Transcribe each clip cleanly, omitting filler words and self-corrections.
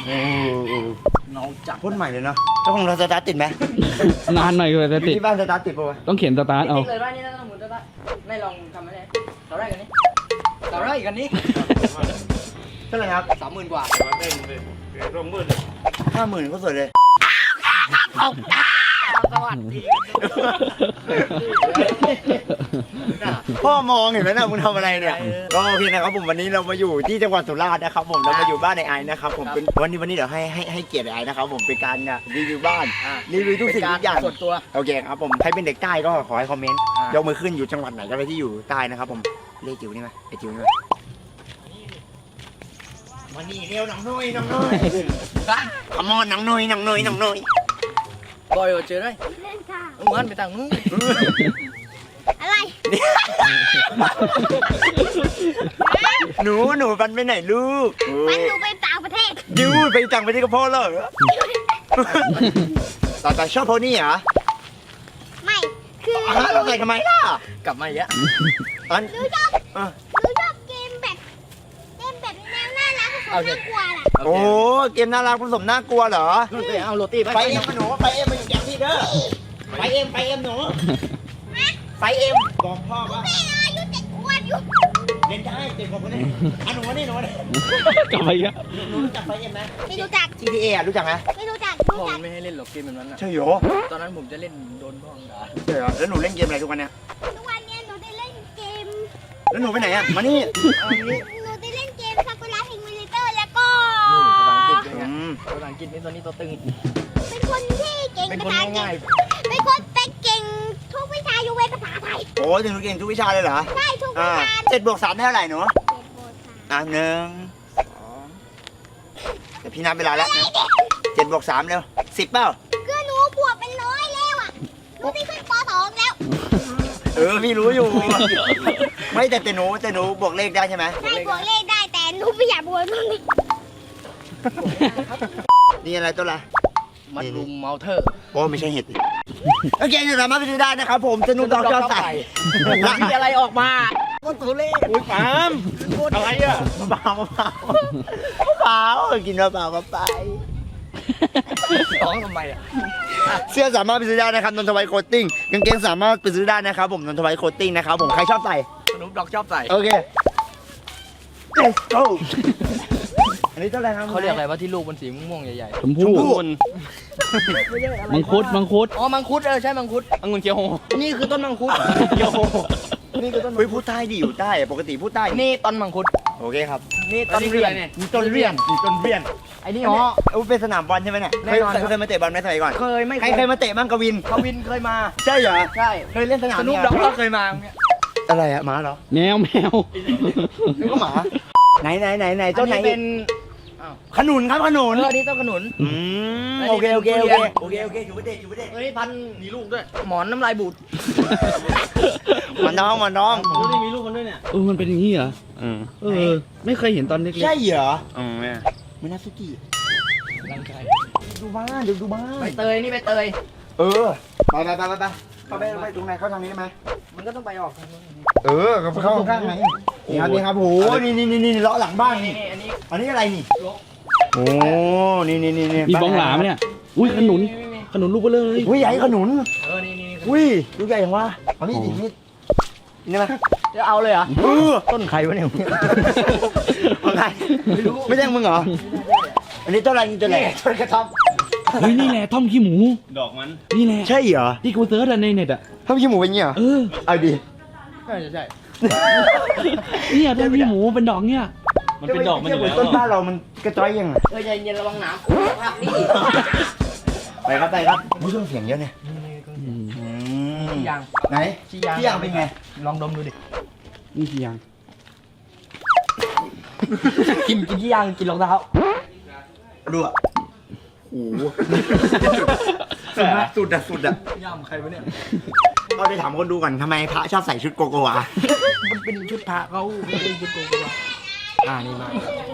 เงาจัดพ่นใหม่เลยเนาะเจ้าของเราสตาร์ทติดไหมนานหน่อยเลยจะติดที่บ้านสตาร์ทติดป่าวะต้องเขียนสตาร์ทเอาติ๊กเลยว่านี่ต้องหมุนตัวละไม่ลองทำอะไรเราได้กันนี้เราได้กันนี้เท่าไหร่ครับ 30,000 กว่า 50,000ก็สวยเลยสวัสดีพ่อมองเห็นไหมนะมึงทำอะไรเนี่ยก็โอเคนะครับผมวันนี้เรามาอยู่ที่จังหวัดสุราษฎร์นะครับผมเรามาอยู่บ้านในไอนะครับผมเป็นวันนี้เดี๋ยวให้เกียรติไอนะครับผมเป็นการรีวิวบ้านรีวิวทุกสิ่งทุกอย่างส่วนตัวโอเคครับผมใครเป็นเด็กใต้ก็ขอให้คอมเมนต์ยกมือขึ้นอยู่จังหวัดไหนก็ได้ที่อยู่ใต้นะครับผมเลขจิ๋วนี่ไหมไอจิ๋วนี่ไหมมานี่เร็วน้องนุ้ยขมอนน้องนุ้ยบอยเจอได้เล่นค่ะมึงหันไปทางนู้นอะไรหนูปันไปไหนลูกมันดูไปต่างประเทศยูไปต่างประเทศก็พอแล้วแต่ชอบโพนี่เหรอไม่ คือเราใส่ทำไมล่ะกลับมาอีกแล้วอันหนูชอบเกมแบบแนวน่ารักผสมน่ากลัวแหละโอ้เกมน่ารักผสมน่ากลัวเหรอนู่นไปเอาโรตีไปเอ็มหนูไปเอ็มมาอยู่อย่างพี่เด้อไปเอ็มหนูไปเอ็มบอกพ่อว่าไม่อายุ7 ขวบอยู่เล่นได้เต็มคนนี้หนูนี่กลับไปอีกแล้วหนูรู้จักไปเอ็มไหมไม่รู้จัก GTA อ่ะรู้จักไหมไม่รู้จักพ่อมันไม่ให้เล่นหรอกเกมแบบนั้นอ่ะใช่เหรอตอนนั้นผมจะเล่นโดนพ่อด่าใช่เหรอแล้วหนูเล่นเกมอะไรทุกวันเนี่ยทุกวันนี้หนูได้เล่นเกมแล้วหนูไปไหนอ่ะมานี่เอาอย่างนี้หนูได้เล่นเกมซากุระพิงมิลิเตอร์แล้วก็ภาษาอังกฤษด้วยไงภาษาอังกฤษนี่ตัวนี้ตัวตึงเป็นคนที่เก่งเป็นภาคนษาอังกฤง่ายษเป็นคนเป็นเก่งทุกวิชายกเว้นภาษาไทยโอ้ถึงหนูเก่งทุกวิชาเลยเหรอใช่ทุกวิอ่าชา 7+3เท่าไหร่หนู 7 1 2แต่พี่นับเวลาแล้วนะ7+3เร็ว10เปล่าคือหนูบวกเป็นร้อยแล้วอ่ะหนูได้ขึ้นป .2 แล้วพี่รู้อยู่ ไม่แต่หนูบวกเลขได้ใช่ไหมได้บวกเลขได้แต่หนูไม่อยากบวกมันนี่อะไรตัวละมัดรุมเมาเทอร์โอ้ไม่ใช่เห็ดโอเคสามารถไปซื้อได้นะครับผมสนุกดอกจอใส่มีอะไรออกมาก็ตัวเลขอุ้ยปามอะไรอ่ะเปล่ากินเปล่าไปร้องทำไมอ่ะเสื้อสามารถไปซื้อได้นะครับนนทวัยโคตติ้งกางเกงสามารถไปซื้อได้นะครับผมนนทวัยโคตติ้งนะครับผมใครชอบใส่สนุปดอกชอบใส่โอเค let's go อันนี้เท่าไหร่ครับเขาเรียกอะไรว่าที่ลูกมันสีม่วงๆใหญ่ชมพู่มังคุดๆอ๋อมังคุดใช่มังคุดองุ่นเขียวโฮนี่คือต้นมังคุดโยนี่ก็ต้นเฮ้ยพูดใต้ดิอยู่ใต้ปกติพูดใต้นี่ต้นมังคุดโอเคครับนี่ต้นเรียนมีต้นเรียนไอ้นี่อ๋อ๋ออเป็นสนามบอลใช่ไหมเนี่ยแน่นอนครับเคยมาเตะบอลไหมสมัยก่อนเคยไม่ใครเคยมาเตะบ้างกวินเขาวินเคยมาใช่เหรอใช่เคยเล่นสนามสนุปดอกก็เคยมาเนี่ยอะไรอะหมาเหรอแมวนึกว่าหมาไหนต้นไหนอัเป็นขนุนครับขนุนอันนี้ต้นขนุนโอเคอยู่ประเด็นเฮ้ยพันมีลูกด้วย หมอนน้ำลายบูดมันน้องดูดิมีลูกมันด้วยเนี่ยมันเป็นอย่างนี้เหรอไม่เคยเห็นตอนเล็กใช่เหรอไม่น่าสุกี้ร่างกายดูบ้านดูบ้านใบเตยนี่ใบเตยไปไปตรงไหนเข้าทางนี้ได้ไหมมันก็ต้องไปออกทางนู้นเข้าข้างไหนนี่ครับโหนี่เลาะหลังบ้านนี่อันนี้อันนี้อะไรนี่โอ้นี่มีบ้องหลามเนี่ยอุ้ยขนุนลูกเบลอเลยอุ้ยใหญ่ขนุนนี่อุ้ยลูกใหญ่ยังวะเอามีดดิมีดนี่ไหมจะเอาเลยเหรอต้นไข่วะเนี่ยต้นไข่ไม่ใช่มึงเหรออันนี้ต้นอะไรนี่ต้นอะไรต้นกระท่อมเฮ้ยนี่แหละท่อมขี้หมูดอกมันนี่แหละใช่เหรอที่กูเซิร์ชในเน็ตอ่ะท่อมขี้หมูเป็นเงี้ยเอาดิใช่เนี่ยท่อมขี้หมูเป็นดอกเนี่ยมันเป็นดอกมันอยู่แล้วต้นบ้านเรามันกระจอยยังไงใจเย็นระวังน้ำนี่ไปครับไม่ต้องเสียงเยอะเนี่ยยางไหนพี่ยางเป็นไงลองดมดูดินี่คือยังกินที่ยางกินรองเท้าดูอ่ะโอ้โหสุดอ่ะย่ำใครวะเนี่ยเราได้ถามคนดูก่อนทำไมพระชอบใส่ชุดโกโกวามันเป็นชุดพระเขาไม่ได้ชุดโกโกวานี่มา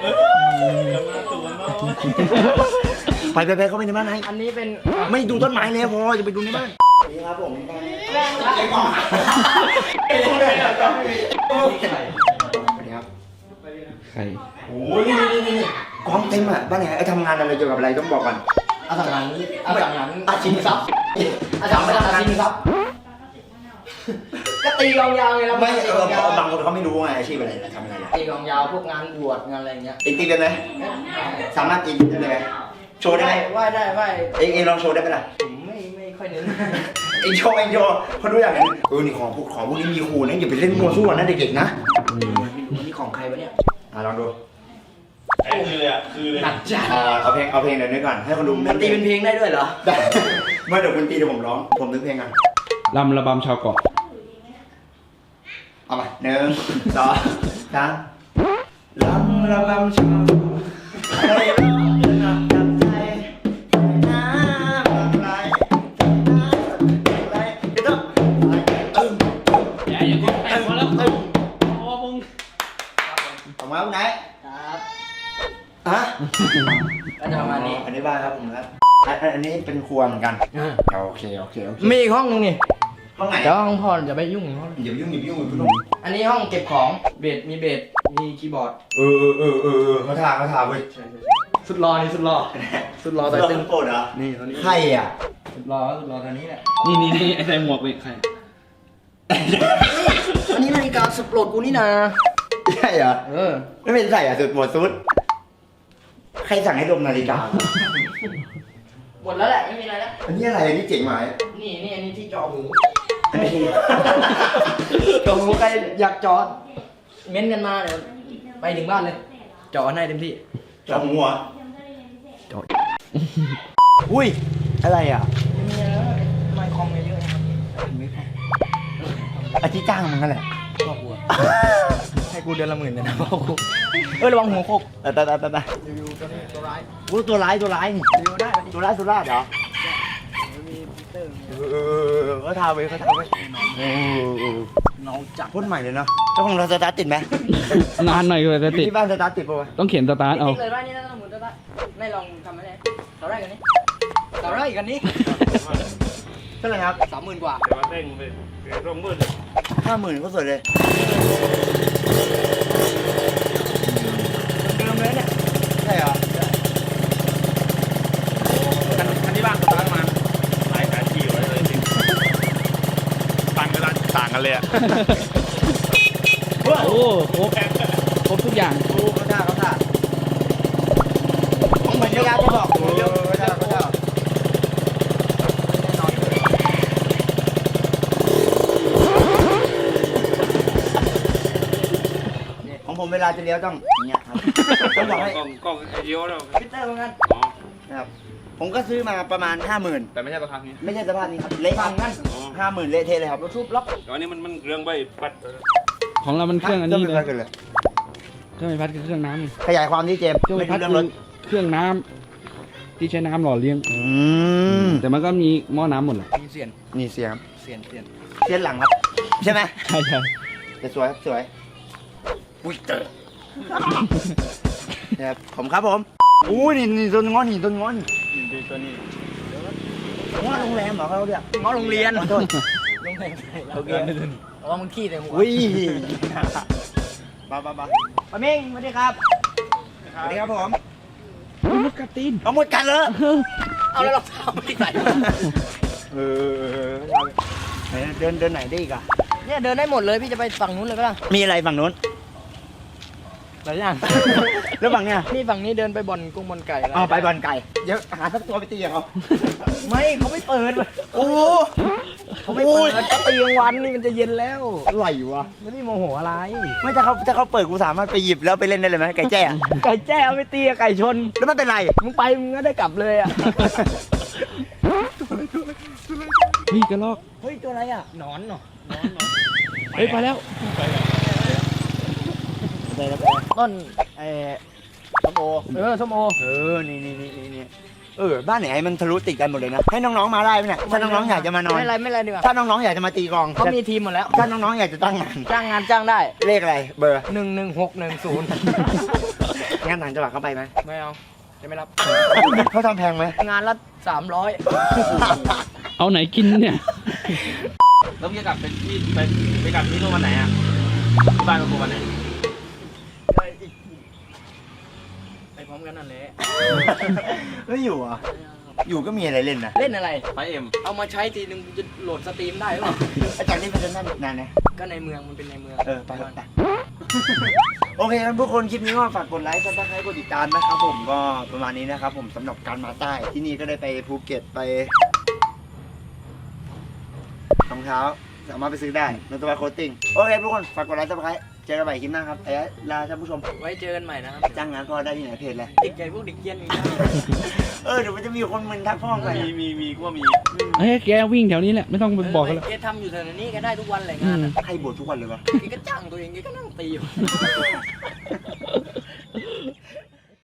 ไปเข้าไปในบ้านไหนอันนี้เป็นไม่ดูต้นไม้เลยพอจะไปดูในบ้านนี่ครับผมสวัสดีครับใครโอ้ยนี่กองเต็มอ่ะบ้านไหนไอ้ทำงานอะไรเกี่ยวกับอะไรต้องบอกก่อนอาสังหารอาสังหารอาชีพทรัพย์อาสังหารอาชีพครับก็ตีกองยาวไงเราไม่ตีกองยาวบางคนเขาไม่รู้ไงอาชีพอะไรทำอะไรตีกองยาวพวกงานบวชงานอะไรเงี้ยตีเป็นไหมสามารถตีได้ไหมโชว์ได้ไหมไหว้ได้ไหว้เองลองโชว์ได้ไหมล่ะผมไม่ค่อยเน้นเองโชว์เขาดูอย่างนั้นนี่ของพวกนี้มีครูนะอย่าไปเล่นมัวซั่วนะเด็กๆนะนี่ของใครวะเนี่ยลองดูคือเลยอ่ะคือเลยหนักจัดเอาเพลงเดี๋ยวนี้ก่อนให้คนดูมันตีเป็นเพลงได้ด้วยเหรอได้เมื่อเดี๋ยวคุณตีเดี๋ยวผมร้องผมนึกเพลงกันลำระบำชาวเกาะเอามา1 2 3ลำระบำชาวไทยน้ำไทยน้ำไหลเดี๋ยวต้องอย่าเพิ่งแต่งพอแล้วพอมึงผมมาไหนครับฮะก็จะประมาณนี้อันนี้บ้านครับผมครับอันนี้เป็นครัวเหมือนกันโอเคมีอีกห้องนึงนี่ห้องไหนเดี๋ยวห้องพ่อจะไปยุ่งห้องอย่ายุ่งคุณลุงอันนี้ห้องเก็บของเบสมีเบสมีคีย์บอร์ดเขาทาเว้ยสุดรอนี่สุดรอแต่ตึงโกรธเหรอนี่ตัวนี้ใครอ่ะสุดรอตัวนี้แหละนี่ไอ้ใส่หมวกเป็นใครอันนี้นาฬิกาสุดโปรดกูนี่นะใช่เหรอเออไม่เป็นใส่อ่ะสุดหมดสุดใครสั่งให้ดมนาฬิกาหมดแล้วแหละไม่มีอะไรแล้วอันนี้อะไรอันนี้เจ๋งไหมนี่อันนี้ที่จอหูอันนี้จอหูใครอยากจอเม้นกันมาเดี๋ยวไปถึงบ้านเลยจอให้เต็มที่จอหัวอุ้ยอะไรอ่ะมีอะไรแล้วทำไมคอมเยอะๆนะครับอาทิตย์จ้างมันนั่นแหละพ่อกูให้กูเดือนละ10,000เลยนะพ่อกูระวังหัวโคกตารีวิวตัวนี้ตัวร้ายอู้ตัวร้ายนี่รีวิวได้ปะตัวร้ายสุราษฎร์เหรอมีปีเตอร์เขาทาไว้น้องจักพ่นใหม่เลยเนาะเจ้าของเราสตาร์ทติดไหมนานหน่อยเลยจะติดที่บ้านสตาร์ทติดป่ะวะต้องเขียนสตาร์ทเอาติ๊กเลยว่านี่ต้องหมุนตัวละไม่ลองทำอะไรต่อได้กันนี้ต่อได้กันนี้เท่าไหร่ครับ 30,000 กว่าแต่ว่าเต้งไปร่มมืด 50,000ก็สวยเลยเดิมเลยเนี่ยใช่เหรอคันที่บ้านสตาร์ทมาหลายแสนกี่ไว้เลยจริงต่างกันเลยอ่ะโอ้ครบทุกอย่างเขาท่าเหมือนยาจะบอกเขาท่าของผมเวลาจะเลี้ยวต้องอย่างเงี้ยครับต้องบอกให้กล้องไอเดียวแล้วพิเตอร์เหมือนกันอ๋อนะครับผมก็ซื้อมาประมาณ 50,000 แต่ไม่ใช่ราคานี้ไม่ใช่สภาพนี้ครับเละฟังกัน 50,000เละเทะเลยครับรถทุบล็อกแต่วันนี้มันเรื่องใบปัดของเรามันเครื่องอันนี้เลยกันเลยเครื่องไฟฟ้าคือเครื่องน้ำนี่ขยายความที่เจมส์เครื่องไฟไม่ฟ้ารู้เรื่องรคือถเครื่องน้ำที่ใช้น้ำหล่อเลี้ยง แต่มันก็มีหม้อน้ำหมดแหละมีเสียนนี่เสียงครับเสียนเสียงหลังครับ ใช่ไหมใช่แต่สวยครับสวยอุ้ยเตอร์นะครับผมครับผมอู้นี่ต้นง้อนี่ตัวนี้ง้อโรงแรมเหรอเขาเรียกง้อโรงเรียนขอโทษโรงเรียนโอเคอ๋อมึงขี้แต่หัวอุ้ยบ้าป้าเม้งสวัสดีครับสวัสดีครับผมมุดกระตีนเอาหมดกันเลยเอาแล้วรองเท้าไม่ใส่เดินไหนได้อีกอ่ะเนี่ยเดินได้หมดเลยพี่จะไปฝั่งนู้นเลยก็ได้มีอะไรฝั่งนู้นหลายอย่างแล้วฝั่งเนี้ยนี่ฝั่งนี้เดินไปบ่อนกุ้งบ่อนไก่อะไรอ๋อไปบอลไก่เดี๋ยวหาสักตัวไปตีกับเขาไม่เขาไม่เปิดโอ้เขาไม่เปิดก็ตีกลางวันนี่มันจะเย็นแล้วไหลวะไม่ได้โมโหอะไรไม่ถ้าเขาเปิดกูสามารถไปหยิบแล้วไปเล่นได้เลยไหมไก่แจ้อะไก่แจ้เอาไปตีกับไก่ชนแล้วมันเป็นไรมึงไปมึงก็ได้กลับเลยอ่ะเฮ้ยกระลอกเฮ้ยตัวอะไรอ่ะหนอนเหรอเฮ้ยไปแล้วต้นส้มโอส้มโอนี่บ้านไหนมันทะลุติดกันหมดเลยนะให้น้องๆมาได้ไหมเนี่ยถ้าน้องๆอยากจะมานอนไม่ไรดีกว่าถ้าน้องๆอยากจะมาตีกลองเขามีทีมหมดแล้วถ้าน้องๆอยากจะตั้งงานจ้างงานจ้างได้เลขอะไรเบอร์ 11610 งานต่างจังหวัดเข้าไปไหมไม่เอาจะไม่รับเขาทำแพงไหมงานละ300 เอาไหนกินเนี่ยแล้วพี่จะกลับเป็นที่ไปกลับที่นู่นวันไหนอ่ะที่บ้านกับกูวันไหนกันนั่นแหละไม่อยู่อ่ะอยู่ก็มีอะไรเล่นนะเล่นอะไรไฟเอ็มเอามาใช้ทีนึงจะโหลดสตรีมได้หรือเปล่าอาจารย์นี่เป็นนั่นนานนะก็ในเมืองมันเป็นในเมืองไปไปโอเคครับทุกคนคลิปนี้ก็ฝากกดไลค์ซับสไครต์กดติดตามนะครับผมก็ประมาณนี้นะครับผมสำหรับการมาใต้ที่นี่ก็ได้ไปภูเก็ตไปรองเท้าสามารถไปซื้อได้ในตัวโคตติ้งโอเคทุกคนฝากกดไลค์ซับสไครต์เจอกันใหม่คลิปหน้าครับลาท่านผู้ชมไว้เจอกันใหม่นะครับจ้างงานพ่อได้ที่ไหนเพจเลยเด็กใหญ่พวกเด็กเกียนอย่างนี้เดี๋ยวมันจะมีคนมึนทักพ่อไปมีก็มีเฮ้ยแกวิ่งแถวนี้แหละไม่ต้องไปบอกกันแล้วแกทำอยู่แถวนี้แกได้ทุกวันแหละงานอะให้บททุกวันเลยวะแกก็จ้างตัวเองแกก็นั่งตีอยู่